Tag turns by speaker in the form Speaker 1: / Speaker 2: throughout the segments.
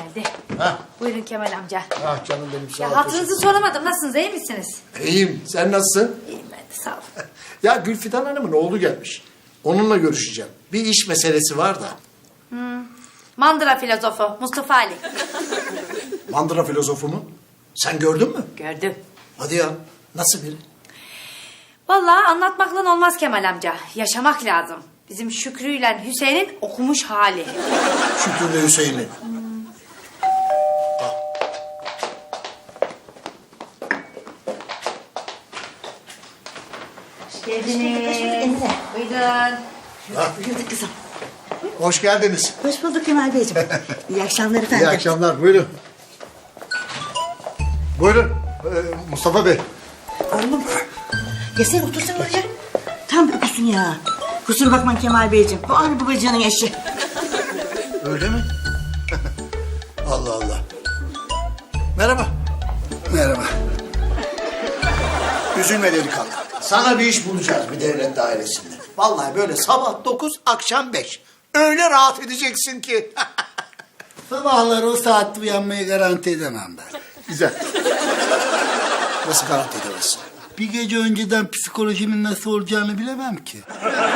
Speaker 1: geldi.
Speaker 2: Ha.
Speaker 1: Buyurun Kemal amca.
Speaker 2: Ah canım benim sağ ol.
Speaker 1: Ya hatırınızı soramadım. Nasılsınız? İyi misiniz?
Speaker 2: İyiyim. Sen nasılsın?
Speaker 1: İyiyim ben de sağ ol.
Speaker 2: Ya Gülfidan Hanım'ın oğlu gelmiş. Onunla görüşeceğim. Bir iş meselesi var da.
Speaker 1: Mandıra filozofu Mustafa Ali.
Speaker 2: Mandıra filozofu mu? Sen gördün mü?
Speaker 1: Gördüm.
Speaker 2: Hadi ya. Nasıl biri?
Speaker 1: Vallahi anlatmakla olmaz Kemal amca. Yaşamak lazım. Bizim Şükrü ile Hüseyin'in okumuş hali.
Speaker 2: Şükrü Hüseyin'i.
Speaker 1: Hoş geldiniz. Buyurun.
Speaker 3: Buyurun kızım.
Speaker 2: Hoş geldiniz.
Speaker 3: Hoş bulduk Kemal Beyciğim. İyi akşamlar efendim.
Speaker 2: İyi akşamlar. Buyurun. Buyurun. Mustafa Bey.
Speaker 3: Oğlum. Gelsene otursana oraya. Tam uykusun ya. Kusura bakma Kemal Beyciğim. Bu anne babacığının eşi.
Speaker 2: Öyle mi? Allah Allah. Merhaba.
Speaker 4: Merhaba.
Speaker 2: Üzülme delikanlı. Sana bir iş bulacağız bir devlet dairesinde. Vallahi böyle sabah 9, akşam 5. Öyle rahat edeceksin ki.
Speaker 4: Sabahları o saatte uyanmayı garanti edemem ben.
Speaker 2: Güzel. Nasıl garanti edemezsin?
Speaker 4: Bir gece önceden psikolojimin nasıl olacağını bilemem ki.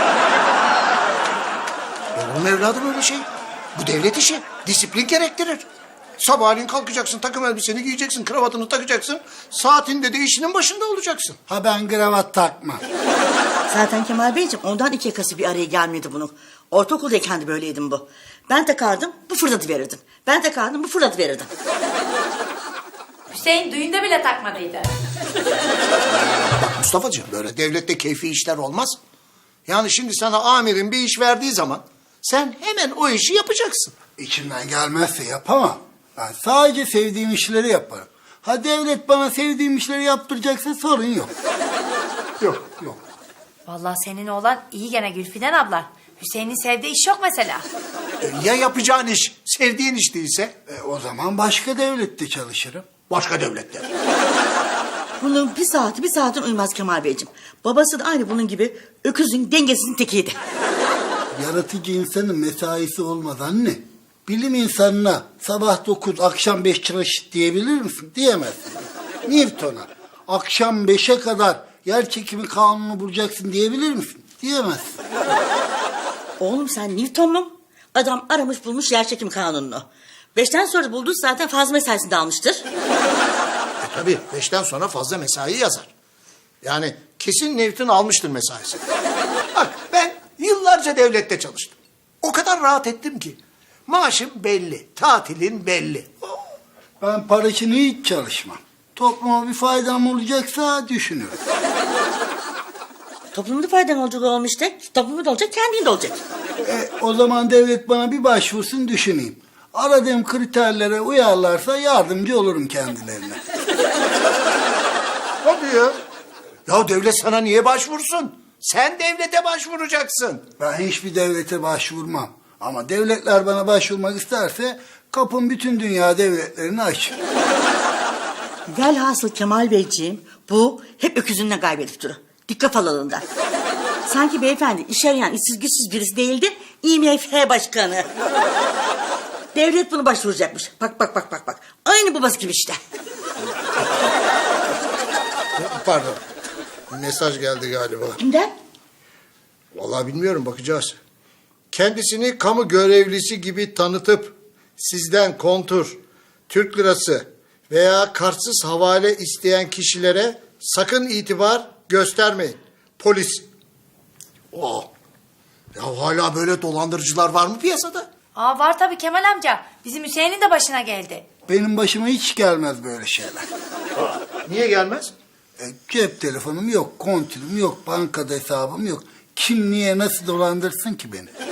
Speaker 2: Olur mu evladım öyle şey? Bu devlet işi. Disiplin gerektirir. Sabahleyin kalkacaksın, takım elbiseni giyeceksin, kravatını takacaksın. Saatinde de işinin başında olacaksın.
Speaker 4: Ha ben kravat takmam.
Speaker 3: Zaten Kemal Beyciğim ondan iki yakası bir araya gelmedi bunun. Ortaokuldayken de böyleydim bu. Ben takardım, bu fırladı verirdim. Ben takardım, bu fırladı verirdim.
Speaker 1: Hüseyin düğünde bile takmadıydı.
Speaker 2: Mustafa'cığım böyle devlette keyfi işler olmaz. Yani şimdi sana amirin bir iş verdiği zaman sen hemen o işi yapacaksın.
Speaker 4: İçimden gelmezse yapamam. Ben sadece sevdiğim işleri yaparım. Ha devlet bana sevdiğim işleri yaptıracaksa sorun yok.
Speaker 2: Yok.
Speaker 1: Vallahi senin oğlan iyi gene Gülfiden abla. Hüseyin'in sevdiği iş yok mesela.
Speaker 2: Ya yapacağın iş sevdiğin iş değilse?
Speaker 4: O zaman başka devlette çalışırım.
Speaker 2: Başka devlette.
Speaker 3: Bunun bir saatin uyumaz Kemal Beyciğim. Babası da aynı bunun gibi öküzün dengesinin tekiydi.
Speaker 4: Yaratıcı insanın mesaisi olmaz anne. Bilim insanına sabah 9, akşam 5 çalış diyebilir misin? Diyemezsin. Newton'a akşam 5'e kadar yer çekimi kanunu bulacaksın diyebilir misin? Diyemezsin.
Speaker 3: Oğlum sen Newton'lu. Adam aramış bulmuş yerçekim kanununu. 5'ten sonra bulduğu zaten fazla mesaisini de almıştır.
Speaker 2: Tabii 5'ten sonra fazla mesai yazar. Yani kesin Newton almıştır mesaisi. Bak ben yıllarca devlette çalıştım. O kadar rahat ettim ki. Maaşım belli, tatilin belli.
Speaker 4: Ben para için hiç çalışmam. Topluma bir faydam olacaksa düşünürüm.
Speaker 3: Toplumda faydan olacak olmuş da toplumda da olacak kendin de olacak.
Speaker 4: O zaman devlet bana bir başvursun düşüneyim. Aradığım kriterlere uyarlarsa yardımcı olurum kendilerine.
Speaker 2: Hadi ya. Ya devlet sana niye başvursun? Sen devlete başvuracaksın.
Speaker 4: Ben hiçbir devlete başvurmam. Ama devletler bana başvurmak isterse kapım bütün dünya devletlerine açık.
Speaker 3: Velhasıl Kemal Beyciğim bu hep öküzünden kaybedip durur. Dikkat alanında. Sanki beyefendi iş arayan işsiz güçsüz birisi değildi. IMF başkanı. Devlet bunu başvuracakmış. Bak. Aynı babası gibi işte.
Speaker 2: Pardon. Mesaj geldi galiba.
Speaker 3: Kimden?
Speaker 2: Vallahi bilmiyorum, bakacağız. Kendisini kamu görevlisi gibi tanıtıp sizden kontur, Türk lirası veya kartsız havale isteyen kişilere sakın itibar göstermeyin. Polis. Oh. Ya hala böyle dolandırıcılar var mı piyasada?
Speaker 1: Aa var tabii Kemal amca. Bizim Hüseyin'in de başına geldi.
Speaker 4: Benim başıma hiç gelmez böyle şeyler.
Speaker 2: Niye gelmez?
Speaker 4: Cep telefonum yok, kontürüm yok, bankada hesabım yok. Kim niye nasıl dolandırsın ki beni?